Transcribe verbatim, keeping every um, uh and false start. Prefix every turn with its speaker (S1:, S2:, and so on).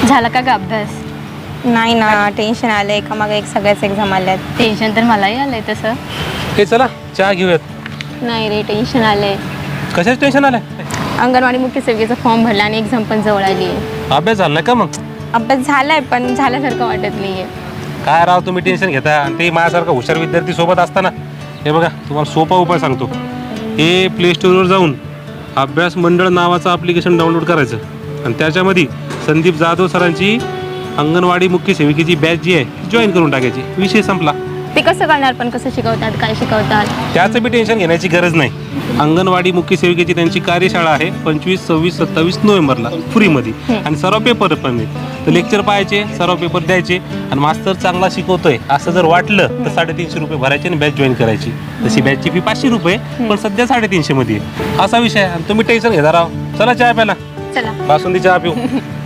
S1: झाला का ग अभ्यास?
S2: नाही ना, टेन्शन आलं एका मागे एक सगळ्याच एक्झाम आल्यात.
S1: टेन्शन तर मलाही आलंय तसं.
S3: हे चला चहा घेऊयात.
S1: नाही रे, टेन्शन आलंय.
S3: कशाच टेन्शन आलंय?
S1: अंगणवाडी मुख्य सेविकेचा फॉर्म भरला आणि एक्झाम पण जवळ आली आहे.
S3: अभ्यास झाला का मग?
S2: अभ्यास झालाय पण
S1: झाल्यासारखं वाटत नाहीये.
S3: काय राव तुम्ही टेन्शन घेता आणि ते माझ्यासारखा हुशार विद्यार्थी सोबत असताना. हे बघा तुम्हाला सोपा उपाय सांगतो. हे प्ले स्टोअरवर जाऊन अभ्यास मंडळ नावाचं ॲप्लिकेशन डाउनलोड करायचं आणि त्याच्यामध्ये संदीप जाधव सरांची अंगणवाडी मुख्य सेविकेची बॅच जी आहे जॉईन करून टाकायची. विषय संपला.
S1: ते कसं करणार पण? कसं शिकवतात, काय शिकवतात?
S3: त्याचं बी टेन्शन घेण्याची गरज नाही. अंगणवाडी मुख्य सेविकेची त्यांची कार्यशाळा आहे पंचवीस सव्वीस सत्तावीस नोव्हेंबरला फ्रीमध्ये आणि सर्व पेपर पण आहेत. तर लेक्चर पाहायचे, सर्व पेपर द्यायचे आणि मास्तर चांगला शिकवतोय असं जर वाटलं तर साडेतीनशे रुपये भरायचे आणि बॅच जॉईन करायची. तशी बॅचची फी पाचशे रुपये पण सध्या साडेतीनशे मध्ये आहे. असा विषय आहे आणि तुम्ही टेन्शन घेता राव. चला चहा प्याला.
S1: चला
S3: बासुंदी चहा पिऊ.